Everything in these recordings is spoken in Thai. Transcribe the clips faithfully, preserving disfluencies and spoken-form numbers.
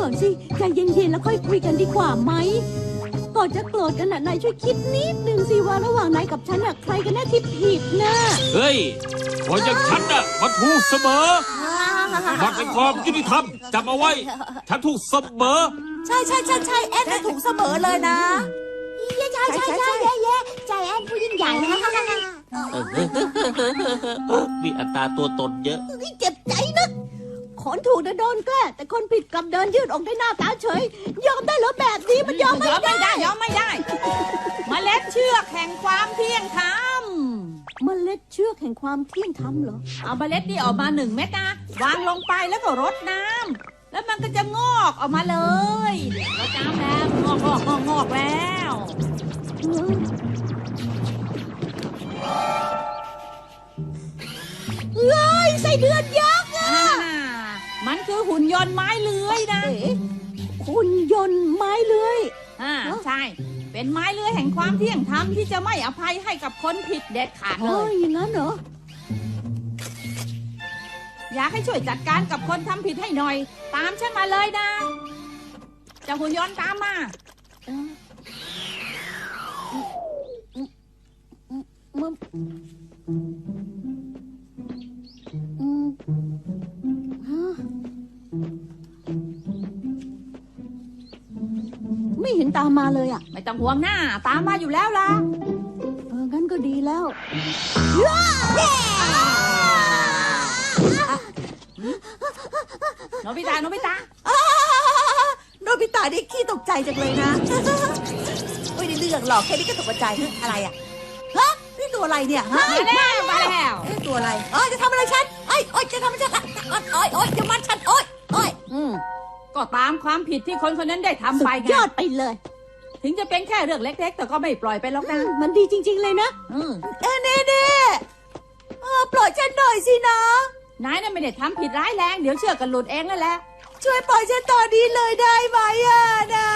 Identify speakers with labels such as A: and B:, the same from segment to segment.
A: ก่อนสิใจเย็นๆแล้วค่อยคุยกันดีกว่าไหมก่อนจะโกรธกันน่ะนายช่วยคิดนิดนึงสิว่าระหว่างนายกับฉันน่ะใครกันแน่ที่ผิดนะ
B: เฮ้ยคนอย่างฉันน่ะมันถูกเสมอมันเป็นความยุติธรรมจำเอาไว้ฉันถูกเสมอ
C: ใช่ใช่ใช่ใช่แอนถูกเสมอเลยนะ
D: ใช่ใช่ใช่เย่เย่ใจแอนผู้ยิ่งใหญ่นะ
B: มีอัตราตัวตนเยอะ
A: เจ็บใจนะคนถูกโดนแกล้แต่คนผิดกลับเดินยืดออกได้หน้าตาเฉยยอมได้เหรอแบบนี้มันยอมไม่ได้
C: ยอมไม่ได้เมล็ดเชือกแห่งความเที่ยงธรรม
A: เมล็ดเชือกแห่งความเที่ยงธรรมเหรอ
C: เอาเมล็ดนี่ออกมาหนึ่งเม็ดนะวางลงไปแล้วก็รดน้ำแล้วมันก็จะงอกออกมาเลยรดน้ำแล้วงอกงอกงอกงอกแล้ว
A: เอ้ยไส้เดือนยักษ์อ่ะ
C: มันคือหุ่นยนต์ไม้เลื้อยนะ
A: หุ่นยนต์ไม้เลื้อย
C: อ่าใช่เป็นไม้เลื้อยแห่งความเที่ยงธรรมที่จะไม่อภัยให้กับคนผิดเด็ดขาดเลย
A: อย่างนั้นเหรอ
C: อยากให้ช่วยจัดการกับคนทำผิดให้หน่อยตามฉันมาเลยนะเจ้าหุ่นยนต์ตามมา
A: มึงไม่เห็นตามมาเลยอ่ะ
C: ไม่ต้องห่วงหน้าตามมาอยู่แล้วล่ะ
A: เอองั้นก็ดีแล้ว
C: โนบิตะโนบิตะ
D: โนบิตะนี่ขี้ตกใจจังเลยนะไม่ได้เรื่องหรอกแค่นี้ก็ตกใจอะไรอ่ะฮะนี่ตัวอะไรเนี่ยฮะ
C: มาแล้วมาแล้ว
D: ตัวอะไรเอ้ยจะทำอะไรฉันเอ้ยโอ้ยจะทำอะไรฉันโอ้ยโอ้ยจะมัดฉันโอ้ยโอ้ย
C: อืมก็ตามความผิดที่คนคนนั้นได้ทำไป
A: ยอดไปเลย
C: ถึงจะเป็นแค่เรื่องเล็กๆแต่ก็ไม่ปล่อยไปหรอกนะ
A: มันดีจริงๆเลยนะ
C: อืม
D: เอ้เน่เน่ปล่อยฉันหน่อยสินะ
C: นายน่ะไม่ได้ทำผิดร้ายแรงเดี๋ยวเชือกกันหลุดเองนั่นแหละ
D: ช่วยปล่อยฉันตอนนี้เลยได้ไหมอ่ะนะ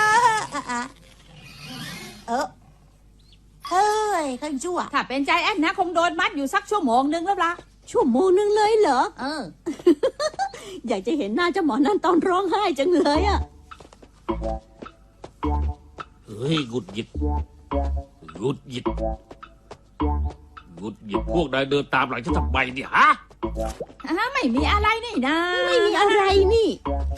D: เออเฮ้ยขันชั่ว
C: ถ้าเป็นใจแอนนะคงโดนมัดอยู่สักชั่วโมงนึงแล้วล่ะ
A: ชั่วโมงนึงเลยเหรอ
C: เออ
A: อยากจะเห็นหน้าเจ้าหมอนั่นตอนร้องไห้จังเลยอ่ะ
B: เฮ้ยกุดหยิดกุดหยิดกุดหยิดพวกนายเดินตามหลังฉันทำไมเนี่ยฮะ
C: ไม่มีอะไรนี่นะ
A: ไม่มีอะไรนี่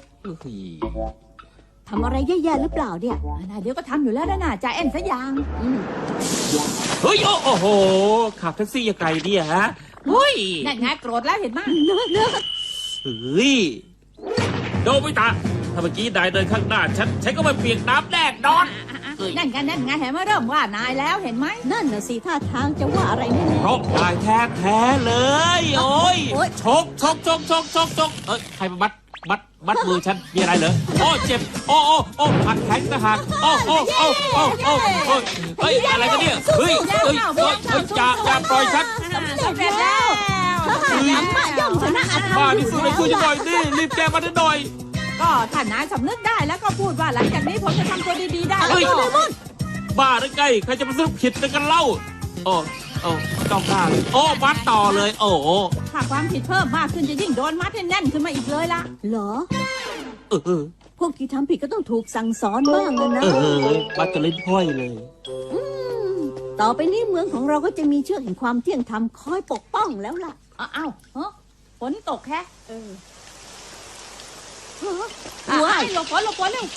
A: ทำอะไรแย่ๆหรือเปล่าเนี่ย
C: เดี๋ยวก็ทำอยู่แล้วนะน่ะใจแอนซะอย่าง
B: เฮ้ยโอ้โหขับแท็กซี่ยังไงเนี่ยฮะเฮ้ย
C: นั่นไงโกรธแล้วเห็นมั้ย
B: เฮ้ยโดบิตะถ้าเมื่อกี้นายเดินข้างหน้าฉันฉันก็ไม่เปียกน้ำแน่นอน
C: นั่นไงนั่นไงเห็นไหมเริ่มว่านายแล้วเห็นไหม
A: นั่นน่ะสิท่าทางจะว่าอะไรแน่
B: ๆเพราะนายแท้แท้เลยโอ้ยชกชกชกชกชกชกเอ้ยใครมามัดมัดมัดมือฉันมีอะไรเหรอโอ้เจ็บโอ้โอ้โอ้หักแขนนะหักโอ้โอ้โอ้โอ้โอ้เฮ้ยอะไรกันเนี่ยเฮ้ยเฮ้ยเฮ้ยอย่าอย่าปล่อยฉัน
C: สำเร็จแล้ว
A: มาย่อมชนะอาธรรม
B: มาดิสุดเลยช่วยฉันหน่อยดิรีบแก้มาหน่อย
C: ก็ถ้านายสำนึกได้แล้วก็พูดว่าหลังจากนี้ผมจะทำตัวดีๆได้
B: เฮ้ยบ้าหรือไงใครจะมาซื้อผิดกันเล่าโอ้โอ้ต้องได้โอ้มัดต่อเลยโอ้
C: ถ้าความผิดเพิ่มมากขึ้นจะยิ่งโดนมัดให้แน่นขึ้นมาอีกเลยล่ะ
A: เหรอ
B: เออ
A: พวกที่ทำผิดก็ต้องถูกสั่งสอนบ้างนะ
B: เออมัดจะเล่นพ่อยเลย
A: ต่อไปนี้เมืองของเราก็จะมีเชือกแห่งความเที่ยงธรรมคอยปกป้องแล้วล่ะ
C: อ้าวเฮ้ยฝนตกแค่
A: เออ
C: ว้ายหลบฝนหลบฝนเร็ว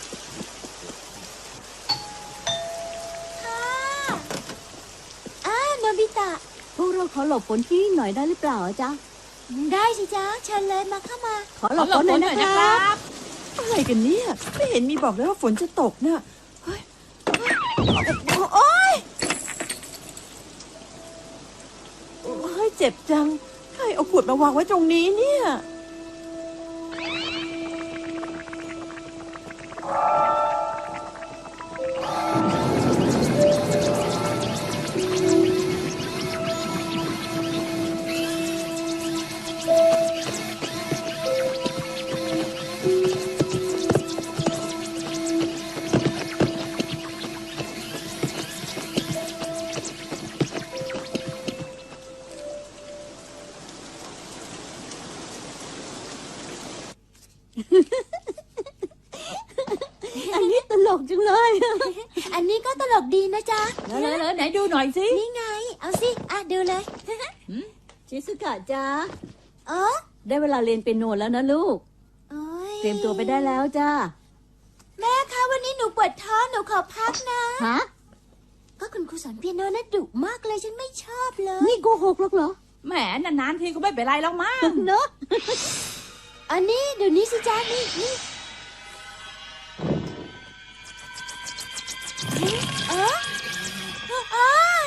D: อ้าโนบิตะ
A: พวกเราขอหลบฝนที่หน่อยได้หรือเปล่าจ๊ะ
D: ได้สิจ๊ะเชิญเลยมาเข้ามา
A: ขอหลบฝนหน่อยนะครับ
D: อะไรกันเนี่ยไม่เห็นมีบอกเลยว่าฝนจะตกเนี่ยเฮ้ยโอ๊ยโอ๊ยเจ็บจังใครเอาขวดมาวางไว้ตรงนี้เนี่ย
A: งเลย
E: อันนี้ก็ตลกดีนะจ๊ะ
C: เลยเลยเลยไหนดูหน่อยสิ
E: นี่ไง เอาสิ อ่ะ ดูเลย
A: ชิสุกะจ้า
E: เออ
A: ได้เวลาเรียนเปียโนแล้วนะลูก
E: โอ้ย
A: เตรียมตัวไปได้แล้วจ้า
E: แม่คะวันนี้หนูปวดท้องหนูขอพักนะ
A: ฮะ
E: ก็คุณครูสอนเปียโนน่ะดุมากเลยฉันไม่ชอบเลย
A: นี่โกหกหรอกเหรอ
C: แหมนานๆทีก็ไม่เป็นไรแล้วมั้ง
A: เนอะ
E: อันนี้เดี๋ยวนี้สิจ้านี่นี่เออเออเออ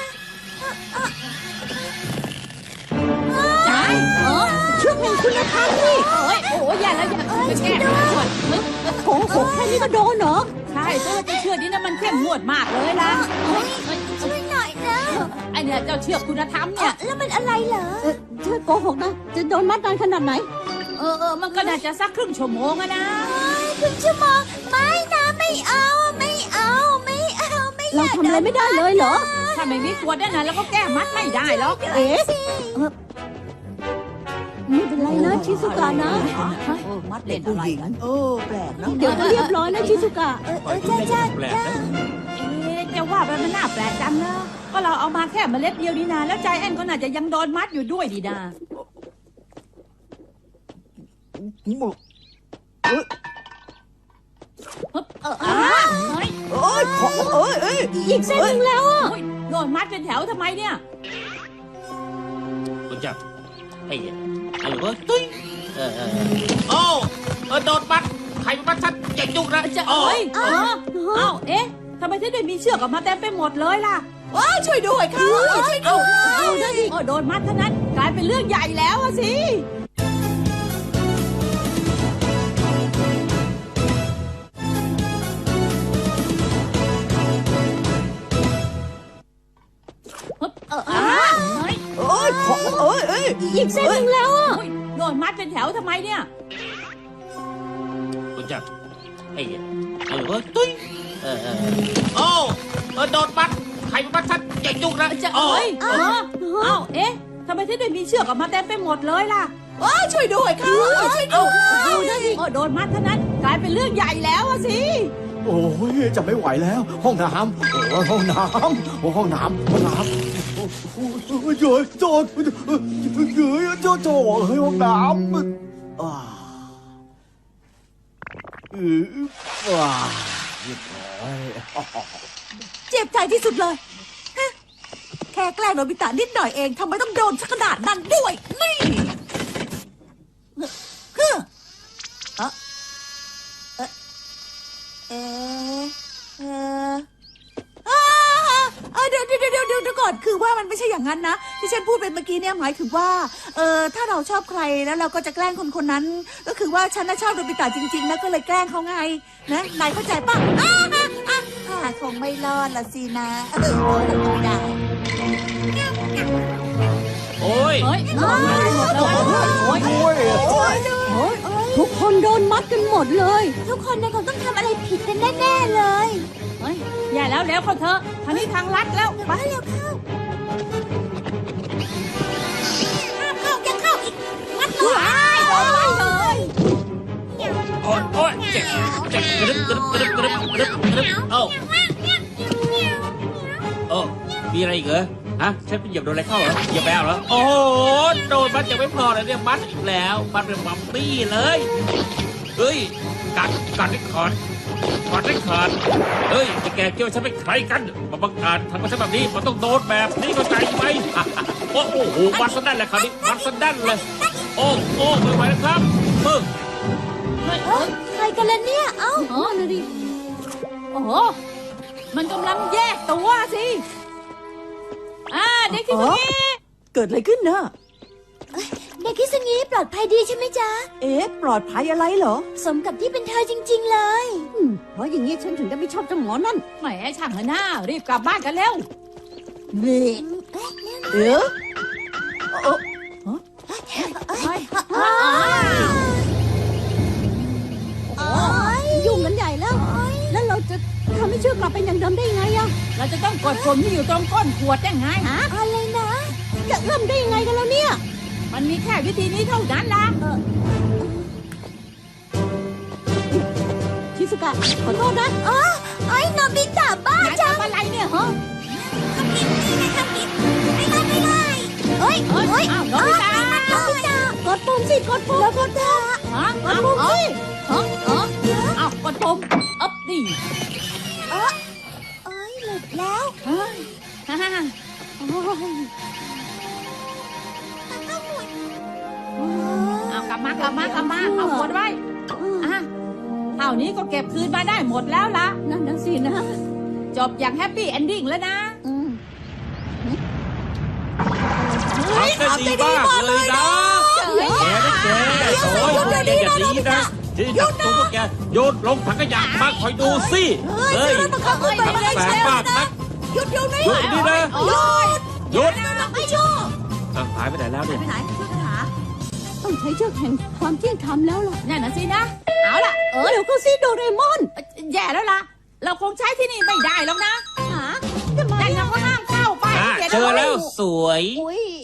C: ใช่เออ
A: ช่วงหนึ่งคุณธรรมนี่
C: เอ้ยโอ้ยอย่าแล้วอย่าไปแก้มันก่อนมึง
A: โกหกแค่นี้ก็โดนเหรอ
C: ใช่ตัวจะเชื่อนี่นะมันเข้มงวดมากเลยล่ะเอ้ยเอ้ย
E: ช่วยหน่อยนะ
C: ไอเนี่ยเจ้าเชือกคุณธรรม
E: เอ
C: เนี่
E: อย แล้วมันอะไรเหรอ
A: เออช่วยโกหกนะ จะโดนมัดนานขนาดไหน
C: เออเออมันก็น่าจะสักครึ่งชั่วโมงอะนะ
E: ครึ่งชั่วโมงไม่นะไม่เอาไม่เอาไม่เอาไม่อ
A: เรา
E: ยาก
A: ทำอะไรไม่ได้เลยเหรอ
C: ถ้าไม่มีขวดนั่นนะแล้วก็แก้มัดไม่ได้หรอก
A: เอ๊ะไม่เป็นไรนะชิสุกะนะ
D: เออมัดเด็กผู้หญิงเออแปลกเนอะ
A: เดี๋ยวก็เรียบร้อยนะชิสุกะ
E: เออเออจ้าจ้า
B: แปลก
E: จ้า
B: นะ
C: เอ๊ะจะว่าไปมันน่าแปลกจังนะก็เราเอามาแค่เมล็ดเดียวนี่นาแล้วใจแอนก็น่าจะยังโดนมัดอยู่ด้วยดีนา เออเออเฮ้ย
D: เอ้ยขอเอ้ยเอ้ย
A: อีกเส้นหนึ่งแล้วอ่ะ
C: โอ้ยโดนมัดเป็นแถวทำไมเนี่ย
B: คุณจับไอ้ไอ้เว้ยตุ้ยเออเออโอ้เออโดนมัดใครมามัดฉันอย่ายุ่งนะ
C: จะ
B: โอ้
C: เอ้ยเออเอ้าเอ๊ะทำไมถึงได้มีเชือกออกมาเต็มไปหมดเลยล่ะ
D: ว้าวช่วยด้วยค่ะช่วยด้วย
C: เอาได้ดิโอ้โดนมัดเท่านั้นกลายเป็นเรื่องใหญ่แล้วอะสิ เออเออเฮ้ย
D: เอ้ยขอเอ้ยเอ้ย
A: อีกเส้นหนึ่งแล้วอ่ะ
C: โอ้ยโดนมัดเป็นแถวทำไมเนี่ย
B: คุณจับไอ้ไอ้เว้ยตุ้ยเออเออโอ้เออโดนมัดใครมามัดฉันอย่ายุ่งนะ
C: จะ
B: โอ้
C: เอ้ยเออเอ้าเอ๊ะทำไมถึงได้มีเชือกออกมาเต็มไปหมดเลยล่ะ
D: ว้าวช่วยด้วยค่ะช่วยด้วย
C: เอาได้ดิโอ้โดนมัดเท่านั้นกลายเป็นเรื่องใหญ่แล้วอะสิ
F: โอ้ยจะไม่ไหวแล้ว ห้องน้ำโอ้ยห้องน้ำโอ้ยห้องน้ำห้องน้ำโอ้ยเยอะจอดเยอะจอดจอดเฮ้ยห้องน้ำอ่าเออว้าเรียบร้อย
D: เจ็บใจที่สุดเลยฮะแค่แกล้งโนบิตะนิดหน่อยเองทำไมต้องโดนสักขนาดนั้นด้วย นี่ฮึเออเออเออเอออ่าเออเดี๋ยวเดี๋ยวเดี๋ยวเดี๋ยวเดี๋ยวก่อนคือว่ามันไม่ใช่อย่างนั้นนะที่ฉันพูดไปเมื่อกี้เนี่ยหมายถึงว่าเออถ้าเราชอบใครแล้วเราก็จะแกล้งคนคนนั้น ก็คือว่าฉันน่ะชอบโนบิตะจริงๆนะก็เลยแกล้งเขาไงนะนายเข้าใจป่ะอ่าอ่าอ่าอ่าคงไม่รอดละสินะเออไม่ได้
B: โอ้ย
C: เฮ้ยโดนมัดไปหมดเลยโอ้ย
F: โอ้ย
D: โอ๊ย
A: โอ๊ยทุกคนโดนมัดกันหมดเลย
E: ทุกคนเนี่ยคงต้องทำอะไรผิดกันแน่ๆเลย
C: เฮ้ยอย่าแล้วแล้วเขาเถอะทางนี้ทางลัดแล้วไป
E: มาเร็วเข้าห้ามเข้าอย่าเข้าอีกมัดหน่อย
C: โดนมัดเลย
B: โอ้ยโอ้ยเจ็บเจ็บกระดึบกระดึบกระดึบกระดึบกระดึบกระดึบเอ้าโอ้มีอะไรอีกเหรอฮะฉันไปเหยียบโดนอะไรเข้าเหรอเหยียบแมวเหรอโอ้โหโดนมัดยังไม่พอเลยเนี่ยมัดอีกแล้วมัดเป็นมัมมี่เลยเฮ้ยกัดกัดให้ขาดกัดให้ขาดเฮ้ยไอ้แกเกี่ยวฉันเป็นใครกันมาบังอาจทำกับฉันแบบนี้มันต้องโดนแบบนี้เข้าใจไหมโอ้โหมัดซะแน่นเลยคราวนี้มัดซะแน่นเลยโอ้โอ้ไม่ไหวแล้วครับมึง
C: เฮ้ย
E: เอ้ยใครกันล่ะเนี่ยเอ้า
C: เออดูดิโอ้โหมันกำลังแยกตัวสิอ่าเด็กที่ตรงนี้
D: เกิดอะไรขึ้นนะ
E: เด็กคิสงี้ปลอดภัยดีใช่ไหมจ๊ะ
D: เอ๊ะปลอดภัยอะไรเหรอ
E: สมกับที่เป็นเธอจริง ๆ เลย
A: อืมเพราะอย่างนี้ฉันถึงได้ไม่ชอบเจ้าหมอนั่น
C: แหมช่างเถอะหน้ารีบกลับบ้านกันเร็ว
A: เว้ย
D: เอ๊ะเอ๊ะ
C: เฮ้ย
E: อ้าวโอ๊ย
A: ยุ่งกันใหญ่แล้ว แล้วเราจะทำให้เชือกกลับเป็นอย่างเดิมได้ยังไงอะ
C: เราจะต้องกดปุ่มที่อยู่ตรงก้นขวดได้ไง
E: อะไรนะ
A: จะเริ่มได้ยังไงกันแล้วเนี่ย
C: มันมีแค่วิธีนี้เท่านั้นล่ะ
A: ชิสุกะขอโทษนะ
E: อ๋อไอ้โนบิตะบ้า
C: นา
E: จัง
C: ทำอะไรเนี่ยฮะ
E: ทำผิดนี่นะทำผิดไม่ได้ไม่ได้เฮ้ย
C: เฮ้ย
E: เฮ้ย
C: อ้าวโน
E: อ๋อ
C: บิตะ
E: โนบิตะ
A: กดปุ่มสิกดปุ่มแล้วกดปุ่ม
C: ฮะ
A: กดปุ่มสิ
C: ฮะฮะอ้าวกดปุ่มอ๊บนี่
E: เออเอ้ยหลุดแล้ว
C: เฮ้ยฮ่าฮ่าฮ่า
A: โอ้ย
E: ก็หมุน
C: เอากลับมากลับมากลับมาเอากดไว้อ่ะเท่านี้ก็เก็บคืนมาได้หมดแล้วล่ะ
A: นั่นนะสินะ
C: จบอย่างแฮปปี้เอนดิ้งแล้วนะ
A: อืม
B: ทำได้ดีมากเลยนะแกนะแกโอ้ยแกอย่าดีนะที่จับตัวพวกแกโยนลงถังขยะมาคอยดูสิเฮ้ย
D: มันขับขึ้นไป
B: ทำ
D: ไม่ได้
B: แส
D: เช
B: บ
D: ฟ
B: มากนะ
D: หยุดเดี๋ยวนี้
B: หยุดนี่นะ
C: โอ้ย
B: หยุด
D: ไม่ชอบ
B: อ่ะหายไปไหนแล้วเนี่ย
D: ไปไหนช่วยกันหา
A: ต้องใช้เชือกแห่งความเที่ยงธรรมแล้วล่ะ
C: นั่นน่ะสินะ เอาล่ะ
A: เออเดี๋ยวก็สิโดเรมอน
C: แย่แล้วล่ะ เราคงใช้ที่นี่ไม่ได้แล้วนะ
A: หาทำไม
C: แต่เราก็ห้ามเข้าไป
B: อ่ะ
C: ขียน
B: เจอ
C: อาไ
B: แล้วสวย
A: อุ้ย